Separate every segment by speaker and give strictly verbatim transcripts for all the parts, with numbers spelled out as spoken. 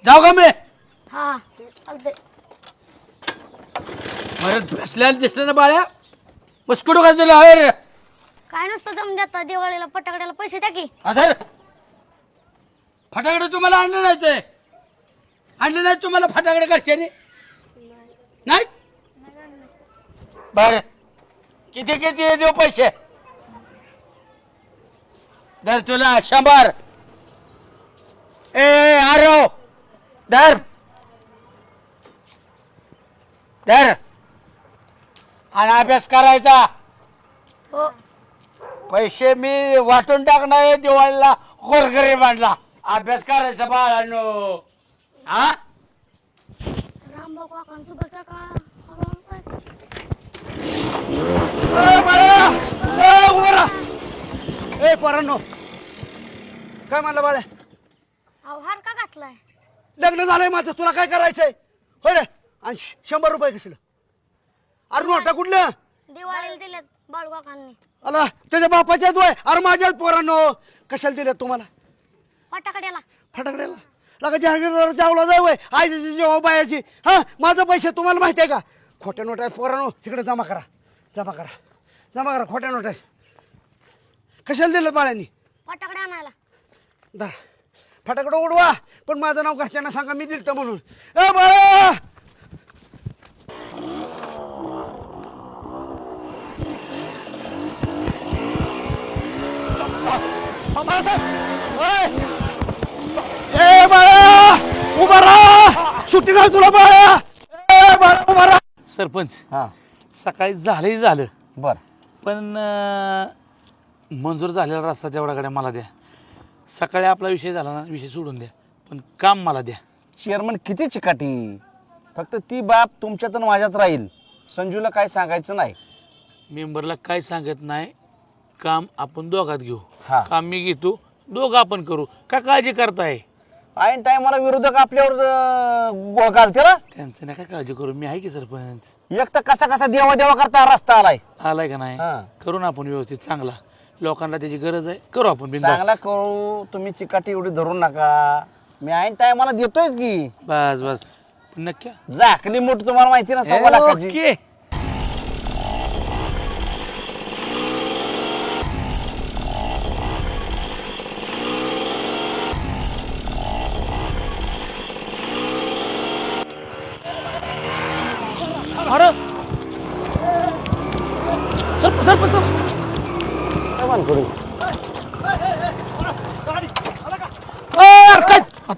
Speaker 1: जाऊ का मी?
Speaker 2: हा चालतंय.
Speaker 1: परत बसल्याला दिसलं ना बाळ्या मुस्कुटू का दिलं हर
Speaker 2: काय नसतं दम देता दिवाळीला फटाकड्याला पैसे द्या की.
Speaker 1: असं फटाकडे तुम्हाला आणलं नाहीच आणलं नाही तुम्हाला फटाकडे घरच्याने नाही बर किती किती देऊ पैसे दर तुला शंभर ए आरो दर दर आणि अभ्यास करायचा.
Speaker 2: हो
Speaker 1: पैसे मी वाटून टाकणार दिवाळीला गोरगरीब आणला. अभ्यास करायचा बाळांनो. हा
Speaker 2: रामभाऊ काकांसोबत काका हळूहळू काय
Speaker 3: ए बाळा ए उभा राहा. ए पोरांनो काय म्हणलं बाळा?
Speaker 2: अहो हार का घातलाय?
Speaker 3: लग्न झालंय माझं तुला काय करायचंय होय रे? आणि शंभर रुपये कसलं? अरे नोटा कुठलं?
Speaker 2: दिवाळीला दिलेत बाळू काकांनी.
Speaker 3: आला त्याच्या बापाच्या दोय अरे माझ्या पोरांनो कशाला दिल्या तुम्हाला
Speaker 2: फटाकड्याला.
Speaker 3: फटाकड्याला लगा जहागीरदार जावला जाय वय आईची जेव्हा बायाची हा माझं पैसे तुम्हाला माहिती आहे का? खोट्या नोटा आहेत पोरांनो इकडे जमा करा जमा करा जमा करा खोट्या नोटा आहेत. कशाला दिलं बाळ्यांनी?
Speaker 2: फटाकडे आणायला.
Speaker 3: दर फटाकडं उडवा पण माझं नाव घरच्यांना सांगा मी दिलतं म्हणून. ए बाळा ए बाळा उभा राहा सुट्टी नाही तुला बाळा. ए बाळा उभा राहा.
Speaker 1: सरपंच
Speaker 4: हा
Speaker 1: सकाळी झालंही झालं
Speaker 4: बर
Speaker 1: पण अं, मंजूर झालेला रस्ता तेवढा गाड्या मला द्या. सकाळी आपला विषय झाला ना विषय सोडून द्या पण काम मला द्या.
Speaker 4: चेअरमन किती चिकाटी फक्त ती बाब तुमच्यात आणि माझ्यात राहील. संजूला काय सांगायचं नाही.
Speaker 1: मेंबरला काय सांगत नाही काम आपण दोघात घेऊ.
Speaker 4: हा.
Speaker 1: काम मी घेतो दोघं आपण करू का काळजी करताय?
Speaker 4: ऐन टायमाला विरोधक आपल्यावर अं, गोळ घालते ना.
Speaker 1: त्यांचं नाही काय काळजी करू मी आहे की सरपंच.
Speaker 4: एक तर कसा कसा देवा देवा करता हा रस्ता आलाय.
Speaker 1: आलाय का नाही
Speaker 4: हा.
Speaker 1: करू ना आपण व्यवस्थित चांगला. लोकांना त्याची गरज आहे करू आपण बिनधास्त.
Speaker 4: चांगला करू तुम्ही चिकाटी एवढी धरू नका. मी ऐन टायमाला देतोयच की.
Speaker 1: बस बस नक्की
Speaker 4: झाकली मोठी तुम्हाला माहिती ना सव्वा लाखाची.
Speaker 1: ओके. अरे सरप सरप
Speaker 4: काय मान करू
Speaker 1: काय आता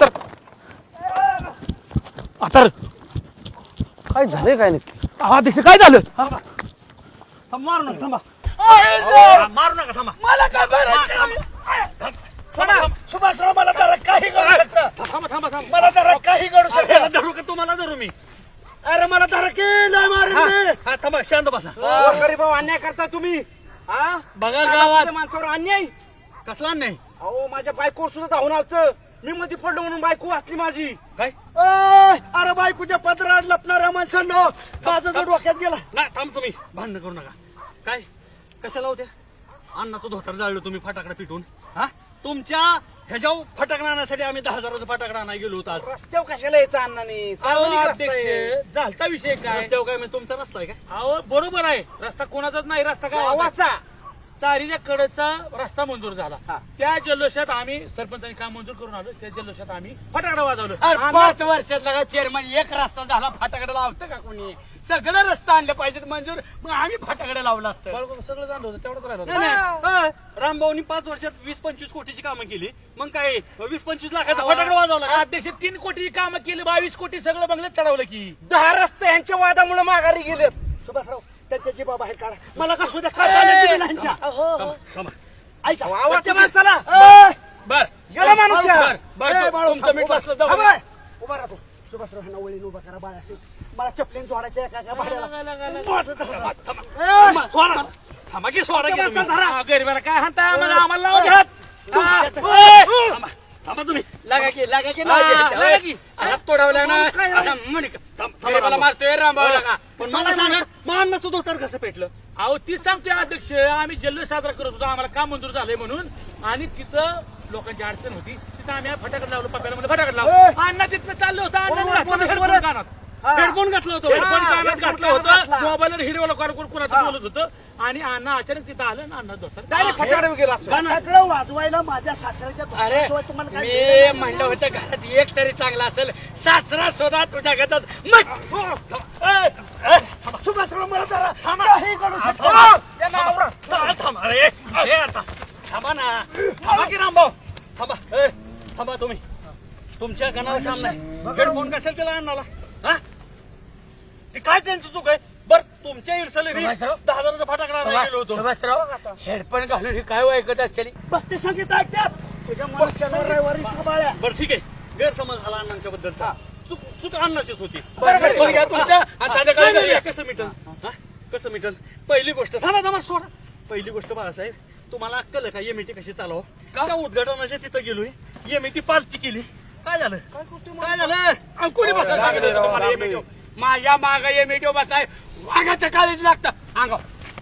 Speaker 1: आता
Speaker 4: काय झालंय काय नक्की?
Speaker 1: हा दिसे काय झालं?
Speaker 3: मारू नका थांबा मारू नका थांबा
Speaker 1: मला काय बरं
Speaker 3: सुभाषराव मला जरा काही करू शकता.
Speaker 1: थांबा थांबा थांबा
Speaker 3: मला जरा काही करू शकता. धरू का तुम्हाला धरू मी? अरे मला धरा केलं मारे थांबा शांत बसा. गरीबाव अन्याय करता तुम्ही हा
Speaker 1: बघा गावात
Speaker 3: माणसावर अन्याय कसला अन्याय? अहो माझ्या बायकोवर सुद्धा धावून आलत मी मध्ये पडलो म्हणून बायको वाचली माझी. काय अरे बायकोच्या पदरात लपणाऱ्या माणसांना माझं जर डोक्यात गेला नाही. थांब तुम्ही भांडण करू नका. काय कशाला होत्या अन्नाचं धोतर जाळलं तुम्ही फटाकडा पिटून हा तुमच्या ह्याच्या फटाकडा आणण्यासाठी आम्ही दहा हजाराचा फटाकडा आणायला गेलो होतो. आज रस्त्यावर कशाला यायचं अण्णाने
Speaker 1: झालता विषय काय?
Speaker 3: रस्त्यावर काय म्हणजे तुमचा रस्ता आहे काय?
Speaker 1: अहो बरोबर आहे रस्ता कोणाचाच नाही रस्ता काय
Speaker 3: गावाचा
Speaker 1: चारीच्या कडेचा रस्ता मंजूर झाला.
Speaker 3: हा.
Speaker 1: त्या जल्लोषात आम्ही सरपंचांनी काम मंजूर करून आलो. त्या जल्लोषात आम्ही फटाकडा वाजवलं.
Speaker 5: पाच वर्षातला चेअरमन एक रस्ता झाला फटाकडे लावतं का कोणी? सगळं रस्ता आणले पाहिजेत मंजूर मग आम्ही फटाकडे लावलं असतं.
Speaker 1: बाळगून सगळं जाणलं होतं तेवढंच राहिलं
Speaker 3: नाही, नाही. रामभाऊनी पाच वर्षात वीस पंचवीस कोटीची कामं केली मग काय वीस पंचवीस लाखाचा फटाकडा वाजवला का?
Speaker 1: अध्यक्ष तीन कोटी कामं केली बावीस कोटी सगळं बंगल्यात चढवलं की.
Speaker 3: दहा रस्ते यांच्या वादामुळे माघारी गेलेत. सुभाषराव त्यांच्या जीवा बाहेर काढा मला का सुद्धा काढण्याची बिल यांच्या. थांबा, थांबा. ऐका आवडत्या माणसाला
Speaker 1: बर
Speaker 3: गेला माणूस या.
Speaker 1: बर, बर,
Speaker 3: ए, बाळू,
Speaker 1: तुमचं
Speaker 3: थांब,
Speaker 1: मीठ
Speaker 3: उभा-
Speaker 1: असलं जाऊ.
Speaker 3: थांब, ए. उभा राहतो सुभाषराव ह्यांना वळीन उभा करा बाळा असेल मला चपलीन जोडायच्या एका एका भाड्याला
Speaker 1: सोडा
Speaker 3: थांबा की सोडा की तुम्ही.
Speaker 1: हा, गरीबाला काय हाणता आम्हाला आम्हाला लावून घ्या. हा,
Speaker 3: थांबा, थांबा तुम्ही
Speaker 5: लागा की लागा की
Speaker 1: हा, लागा की.
Speaker 5: हात तोडावला ना
Speaker 3: माणूस काय
Speaker 5: आता म्हणे का?
Speaker 3: थांब, थांबा,
Speaker 5: गरीबाला
Speaker 3: थांबा.
Speaker 5: मारतोय रामभाऊ लागा.
Speaker 3: पण मला सांगा मान्नाचं धोतर कसं पेटलं?
Speaker 1: अहो ती सांगतोय अध्यक्ष आम्ही जल्लोष साजरा करत होतो आम्हाला काम मंजूर झालंय म्हणून आणि तिथं लोकांची अडचण होती तिथं आम्ही फटाकड लावलो पप्याला म्हणजे फटाकड लावलो अण्णा तिथनं चाललं होतं
Speaker 3: बरोबर,
Speaker 1: अण्णा
Speaker 3: बरोबर,
Speaker 1: हेडफोन
Speaker 3: बरोबर.
Speaker 1: कानात
Speaker 3: हा.
Speaker 5: हेडफोन घातला होता
Speaker 1: हेडफोन
Speaker 3: हा,
Speaker 1: कानात
Speaker 3: हेडफोन
Speaker 1: घातलं
Speaker 3: कानात
Speaker 1: होतं
Speaker 3: घातला.
Speaker 1: मोबाईलवर हिरवलं कोण कोणाचं बोलत होतं आणि अण्णा अचानक तिथं आलं ना अण्णा दोस्तार
Speaker 3: डायरेक्ट फटाकडे गेला असं.
Speaker 6: फटाकडं वाजवायला माझ्या सासऱ्याच्या
Speaker 5: अरे
Speaker 6: दुकानाशिवाय तुम्हाला काय
Speaker 5: मी म्हणलं होतं घरात एक तरी चांगला असेल सासरा स्वतः तुझ्या घरातच
Speaker 6: सुभाषराव मला जरा काही करू शकतो
Speaker 3: या नावावर. थांबा, थांबा अरे हे आता थांबा ना थांबा की रामभाऊ थांबा ए, थांबा तुम्ही तुमच्या गणाला काम नाही हेडफोन कशाला त्याला आणला हा ते काय त्यांची चूक आहे बर तुमच्या इरसले
Speaker 5: सुभाषराव?
Speaker 3: दहा हजाराचा फटाकडा आणायला गेलो होतो
Speaker 5: सुभाषराव हेडफोन घालून हे काय ऐकत असते
Speaker 6: भक्ती संगीत ऐकतात तुझ्या मनुष्यावर रविवारी बाळ्या
Speaker 3: बरं ठीक आहे गैरसमज झाला अण्णांच्या बद्दलचा चूक चूक अण्णाचीच होती
Speaker 5: बरं घ्या तुमचं आणि संध्याकाळी
Speaker 3: नाही, नाही,
Speaker 5: घरी
Speaker 3: कसं मिटल हा? कसं मिटल पहिली गोष्ट थांबा थांबा सोडा पहिली गोष्ट बाळासाहेब तुम्हाला अक्कल आहे का एमईटी कशी चालव का उद्घाटनाच्या तिथं गेलोय एमईटी पालती केली काय झालं काय झालं
Speaker 5: आणि कोणी बसायला सांगितलं होतं तुम्हाला हे मिठो? माझ्या माग हे मिठो बसाय वाघाचं काळीच लागतं अंगाव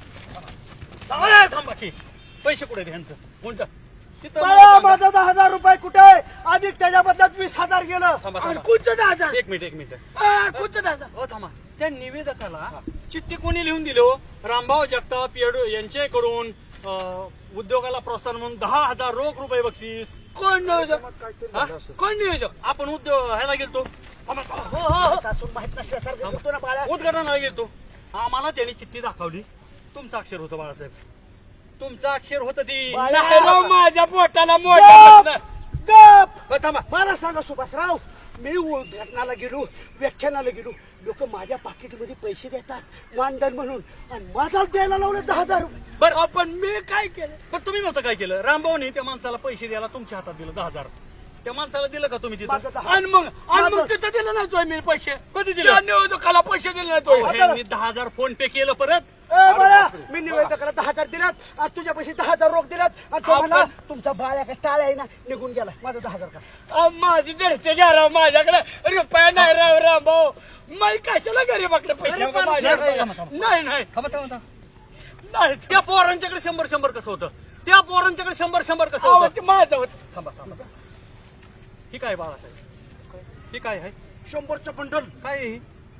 Speaker 3: थांबा थांबा की पैसे कुठे ह्यांचं कोणतं तिथं
Speaker 6: बाळा
Speaker 3: मला
Speaker 6: माझा दहा हजार रुपये कुठे आहे आधी त्याच्या बदल्यात वीस हजार गेलं
Speaker 3: थांबा
Speaker 5: आणि
Speaker 3: थांबा
Speaker 5: कुठचं दहा हजार
Speaker 3: एक मिनिट एक मिनिट
Speaker 5: आ, कुठचं दहा हजार
Speaker 3: हो थांबा त्या निवेदकाला चिठ्ठी कोणी लिहून दिली हो रामभाऊ जगताप येडू यांच्याकडून अं, उद्योगाला प्रोत्साहन म्हणून दहा हजार रोख रुपये बक्षीस
Speaker 5: कोण नियोजक
Speaker 3: हा?
Speaker 5: कोण नियोजक
Speaker 3: आपण उद्योग ह्याला गेलतो थांबा, थांबा.
Speaker 5: हो हो हो
Speaker 6: सासून माहित नसल्यासारखं करतो ना बाळा
Speaker 3: उद्घाटनाला गेलतो आम्हाला त्यांनी चिठ्ठी दाखवली तुमचं अक्षर होतं बाळासाहेब तुमचं अक्षर होतं ती
Speaker 5: नाही राव, माझ्या पोटाला
Speaker 6: गप!
Speaker 5: मोठा
Speaker 6: गप!
Speaker 3: हो, थांबा
Speaker 6: मला सांगा सुभाषराव मी उद्घाटनाला गेलो व्याख्यानाला गेलो लोक माझ्या पाकिटमध्ये पैसे देतात मानधन म्हणून आणि माझा द्यायला लावलं दहा हजार रुपये
Speaker 3: बरं
Speaker 5: आपण मी काय केलं
Speaker 3: पण तुम्ही नव्हतं काय केलं रामभाऊनी त्या माणसाला पैसे द्यायला तुमच्या हातात दिलं दहा हजार त्या माणसाला दिलं का तुम्ही तिथं
Speaker 6: माझा दहा
Speaker 5: आणि मग आणि मग तिथं दिलं नाही तो मी पैसे
Speaker 3: कधी दिलं?
Speaker 5: त्या नियोजकाला पैसे दिले नाही तो
Speaker 3: अहो, ह्यांनी दहा हजार फोन पे केलं परत
Speaker 6: ए बाळा मी निवेदकाला दहा हजार दिलात आणि तुझ्या पैसे दहा हजार रोख दिलात आणि तो म्हणला तुमचा बाळ्या का टाळ्या आहे ना निघून गेला माझा दहा हजार का
Speaker 5: अहो, माझी जळते घ्या राव माझ्याकडे रुपया नाही राव राव भाऊ मी कशाला गरीबाकडे पैसे
Speaker 3: अरे,
Speaker 5: मागू?
Speaker 3: पण
Speaker 5: माझ्याकडे
Speaker 3: थांबा, थांबा.
Speaker 5: नाही नाही
Speaker 3: थांबा थांबा थांबा.
Speaker 5: नाही
Speaker 3: त्या पोरांच्याकडे शंभर शंभर कसं होतं त्या पोरांच्याकडे शंभर शंभर कसं
Speaker 5: अहो,
Speaker 3: होतं
Speaker 5: ते माझं होतं
Speaker 3: थांबा थांबा ही काय बाळासाहेब ही काय आहे शंभरचं बंडल काय आहे ही?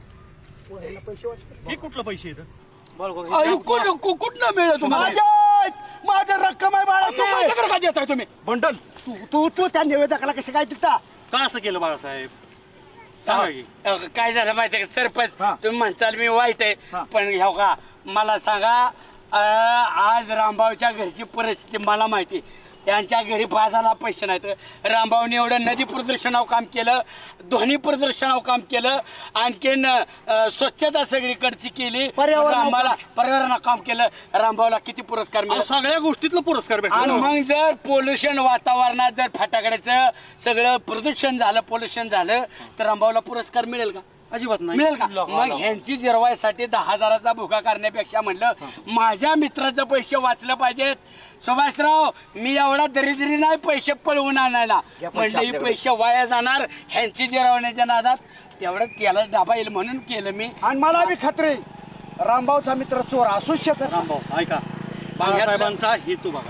Speaker 6: पोरांना पैसे वाटले
Speaker 3: ही कुठलं पैसे येतं
Speaker 5: अहो, कुठं कु- कुठनं मिळेल तुम्हाला
Speaker 6: माझ्या माझ्या रक्कम आहे बाळा
Speaker 5: मग
Speaker 6: ते
Speaker 5: माझ्याकडे काय देताय तुम्ही
Speaker 3: बंडल
Speaker 6: तू तू तू त्या निवेदकाला कसं काय दिलता
Speaker 3: का असं केलं बाळासाहेब सांगा की
Speaker 5: अहो, काय झालं माहितीये का सरपंच
Speaker 3: हा.
Speaker 5: तुम्ही म्हणताल मी वाईट
Speaker 3: हा.
Speaker 5: आहे पण ह्या का मला सांगा अं, आज रामभाऊच्या घरची परिस्थिती मला माहिती त्यांच्या घरी बाजाला पैसे नाहीत रामभाऊने एवढं नदी प्रदर्शनावर काम केलं ध्वनी प्रदर्शनावर काम केलं आणखीन अं, स्वच्छता सगळीकडची केली
Speaker 6: पर्यावरणावर
Speaker 5: आम्हाला पर्यावरणावर काम केलं रामभाऊला किती पुरस्कार
Speaker 3: अहो,
Speaker 5: मिळाले
Speaker 3: सगळ्या गोष्टीतलं पुरस्कार
Speaker 5: आणि
Speaker 3: भेटला
Speaker 5: मग जर पोल्युशन वातावरणात जर फटाकड्याचं सगळं प्रदूषण झालं पोल्युशन झालं तर रामभाऊला पुरस्कार मिळेल का
Speaker 3: अजिबात नाही
Speaker 5: मिळेल का मग ह्यांची जिरवायसाठी दहा हजाराचा भुगा करण्यापेक्षा म्हणलं माझ्या मित्राचे पैसे वाचलं पाहिजेत सुभाषराव मी एवढा दरिद्री नाही पैसे पळवून आणायला म्हणलं ही पैसे वाया जाणार ह्यांची जिरवण्याच्या नादात तेवढं त्याला डाबा येईल म्हणून केलं मी
Speaker 6: आणि मला बी खात्री रामभाऊचा मित्र चोर असूच शकत नाही.
Speaker 3: रामभाऊ ऐका बाळासाहेबांचा हेतू बघा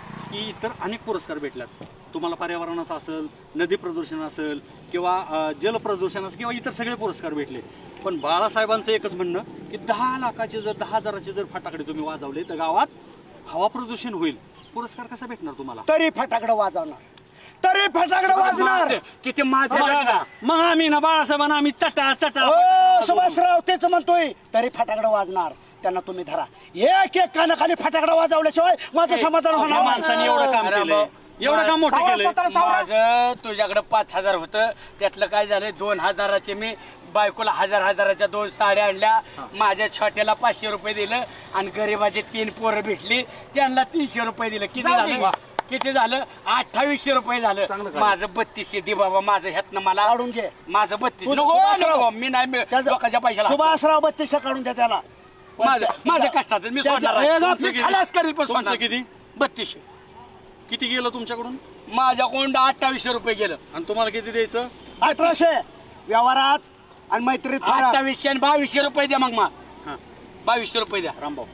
Speaker 3: की इतर अनेक पुरस्कार भेटल्यात तुम्हाला पर्यावरणाचा असेल नदी प्रदूषण असेल किंवा अं, जल प्रदूषण असेल किंवा इतर सगळे पुरस्कार भेटले पण बाळासाहेबांचं एकच म्हणणं की दहा लाखाचे जर दहा हजाराचे जर फटाकडे तुम्ही वाजवले तर गावात हवा प्रदूषण होईल पुरस्कार कसा भेटणार तुम्हाला
Speaker 6: तरी फटाकडं वाजवणार तरी फटाकडं वाजणार
Speaker 5: किती माझे
Speaker 3: मग आम्ही ना बाळासाहेबांना आम्ही चटा चटा
Speaker 6: ओ सुभाषराव तेच म्हणतोय तरी फटाकडं वाजणार त्यांना तुम्ही धरा एक एक कानाखाली फटाकडं वाजवल्याशिवाय माझं समाधान
Speaker 3: या
Speaker 6: होणार
Speaker 3: माणसाने एवढं काम केलंय एवढं काम मोठं केलंय
Speaker 5: माझं तुझ्याकडे पाच हजार होतं त्यातलं काय झालं दोन हजाराचे मी बायकोला हजार हजाराच्या दोन साड्या आणल्या माझ्या छोट्याला पाचशे रुपये दिलं आणि गरीबाचे तीन पोरं भेटली त्यांना तीनशे रुपये दिलं किती झालं किती झालं अठ्ठावीसशे रुपये झालं माझं बत्तीसशे दे बाबा माझं ह्यातनं मला
Speaker 6: काढून घे
Speaker 5: माझं बत्तीस
Speaker 6: तू-
Speaker 5: नको,
Speaker 6: सुभाषराव.
Speaker 5: नको, मी नाही मी
Speaker 6: त्याचं-
Speaker 5: लोकांच्या पैशाला
Speaker 6: सुभाषराव बत्तीसशे काढून द्या त्याला
Speaker 5: माझं माझं कष्टाचं मी
Speaker 6: त्याचं-
Speaker 5: सोडणार
Speaker 6: हे
Speaker 5: आहे.
Speaker 6: बघ,
Speaker 5: मी
Speaker 3: किती?
Speaker 5: खलास करील पण
Speaker 3: तुमचं
Speaker 5: सोडणार.
Speaker 3: किती?
Speaker 5: बत्तीसशे
Speaker 3: किती गेलं तुमच्याकडून
Speaker 5: माझ्याकडून अठ्ठावीसशे रुपये गेलं
Speaker 3: आणि तुम्हाला किती द्यायचं
Speaker 6: अठराशे व्यवहारात आणि मैत्रीत फरक.
Speaker 5: अठ्ठावीसशे आणि बावीसशे रुपये द्या मग मग
Speaker 3: हा
Speaker 5: बावीसशे रुपये द्या
Speaker 3: रामभाऊ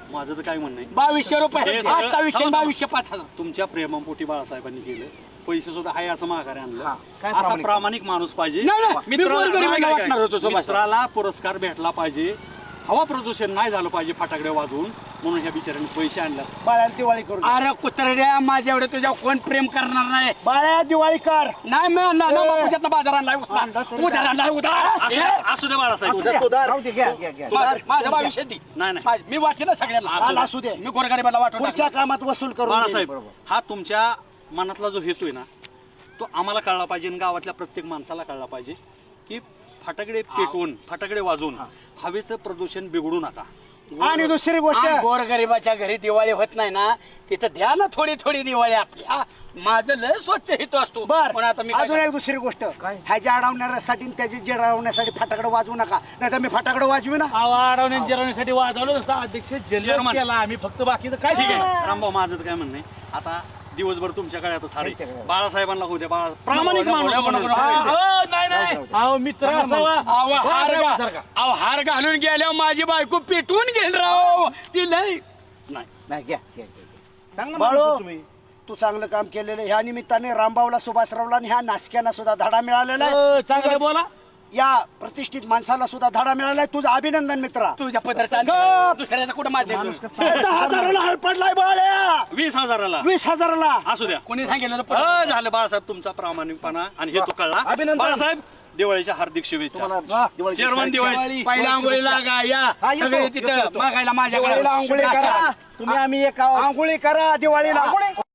Speaker 3: माझं तर काय म्हणणं आहे
Speaker 5: बावीसशे रुपये
Speaker 3: हे सगळं-
Speaker 5: आता विषय बावीसशे पाच हजार
Speaker 3: तुमच्या प्रेमापोटी बाळासाहेबांनी केलं पैसे सुद्धा हाय असं माघारी आणलं
Speaker 4: काय
Speaker 3: असा
Speaker 4: प्रामाणिक?
Speaker 3: प्रामाणिक माणूस पाहिजे
Speaker 5: नाही, नाही, मी
Speaker 3: मित्राला-
Speaker 5: गोरगरिबाला
Speaker 3: काय- काय- काय-
Speaker 5: वाटणार होतो सुभाष.
Speaker 3: मित्राला पुरस्कार भेटला पाहिजे हवा प्रदूषण नाही झालं पाहिजे फटाकडे वाजवून म्हणून ह्या बिचाऱ्याने पैसे आणले
Speaker 6: बाळ्याला दिवाळी करू दे.
Speaker 5: अरे कुत्र्या माझ्या एवढे तुझ्या कोण प्रेम करणार नाही
Speaker 6: बाळ्या दिवाळी कर
Speaker 5: नाही मी आणला ना बापूच्यातला बाजार आणलाय उचला
Speaker 6: आणला तरी
Speaker 5: उद्या आणलाय उद्या
Speaker 3: असू दे- असू दे बाळासाहेब
Speaker 6: राहू दे, घ्या, घ्या, घ्या.
Speaker 5: माझं- माझं बावीसशे ती
Speaker 3: नाही, नाही.
Speaker 5: माझं- मी वाटते ना सगळ्यांना
Speaker 6: आला असू दे.
Speaker 5: मी गोरगरिबाला वाटून
Speaker 6: पुढच्या
Speaker 5: टाकलं.
Speaker 6: कामात वसूल करू
Speaker 3: बाळासाहेब हा तुमच्या मनातला जो हेतू आहे ना तो आम्हाला कळला पाहिजे आणि गावातल्या प्रत्येक माणसाला कळला पाहिजे की फटाकडे पेटवून फटाकडे वाजवून हवेचं प्रदूषण बिघडू नका
Speaker 6: आणि दुसरी गोष्ट
Speaker 5: आणि गोरगरिबाच्या घरी दिवाळी होत नाही ना तिथं द्या ना थोडी थोडी दिवाळी आपली हा. माझं लय स्वच्छ हेतू असतो
Speaker 6: बर
Speaker 5: पण आता मी काय
Speaker 6: अजून एक दुसरी गोष्ट ह्याच्या अडवण्यासाठी आणि त्याची जेडवण्यासाठी फटाकडे वाजवू नका नाही तर मी फटाकडे वाजवी ना
Speaker 1: अडवण्या जिरवण्यासाठी वाजवलं नसतं अध्यक्ष जल्लोष
Speaker 3: Chairman.
Speaker 1: केला आम्ही फक्त बाकीचं काय
Speaker 3: ठीक
Speaker 1: शिकाय
Speaker 3: आहे रामभाऊ माझं तर काय म्हणणं आहे आता दिवसभर तुमच्या काळात सारे बाळासाहेबांना होऊ द्या बाळा प्रामाणिक माणूस म्हणून.
Speaker 1: नाही नाही अहो मित्र असावा
Speaker 5: अहो, हार
Speaker 1: हो,
Speaker 5: घा-
Speaker 1: सारखा.
Speaker 5: अहो, हार घालून गेल्यावर माझी बायको पेटवून गेल राव ती लय
Speaker 3: नाही
Speaker 4: नाही घ्या घ्या, घ्या.
Speaker 1: चांगलं
Speaker 6: बाळू
Speaker 1: माणूस तुम्ही.
Speaker 6: तू चांगलं काम केलेलं आहे. ह्या निमित्ताने रामभाऊला सुभाषरावला आणि ह्या नाचक्यांना सुद्धा धडा मिळालेला
Speaker 1: अ,
Speaker 6: आहे
Speaker 1: चांगलं बोला
Speaker 6: या प्रतिष्ठित माणसाला सुद्धा धडा मिळाला आहे तुझं अभिनंदन मित्रा
Speaker 5: तुझ्या पदरचा दुसऱ्याचा कुठं माध्यम
Speaker 6: दहा हजाराला हल पडलाय बाळ्या
Speaker 3: वीस हजाराला
Speaker 6: वीस हजाराला
Speaker 3: असू द्या
Speaker 5: कोणी सांगितलं
Speaker 3: अ, झालं बाळासाहेब तुमचा प्रामाणिकपणा आणि हेतू कळला
Speaker 4: अभिनंदन.
Speaker 3: बाळासाहेब दिवाळीच्या हार्दिक शुभेच्छा
Speaker 4: तुम्हाला दिवाळीची
Speaker 3: चेअरमन दिवाळी
Speaker 5: पहिल्या आंघोळी लागा या
Speaker 6: हा, येतो,
Speaker 5: सगळे
Speaker 6: येतो,
Speaker 5: तिथं
Speaker 6: येतो.
Speaker 5: मागायला माझ्याकडे
Speaker 6: दिवाळीला आंघोळी करा
Speaker 4: तुम्ही आम्ही एक आहोत.
Speaker 6: आंघोळी करा दिवाळीला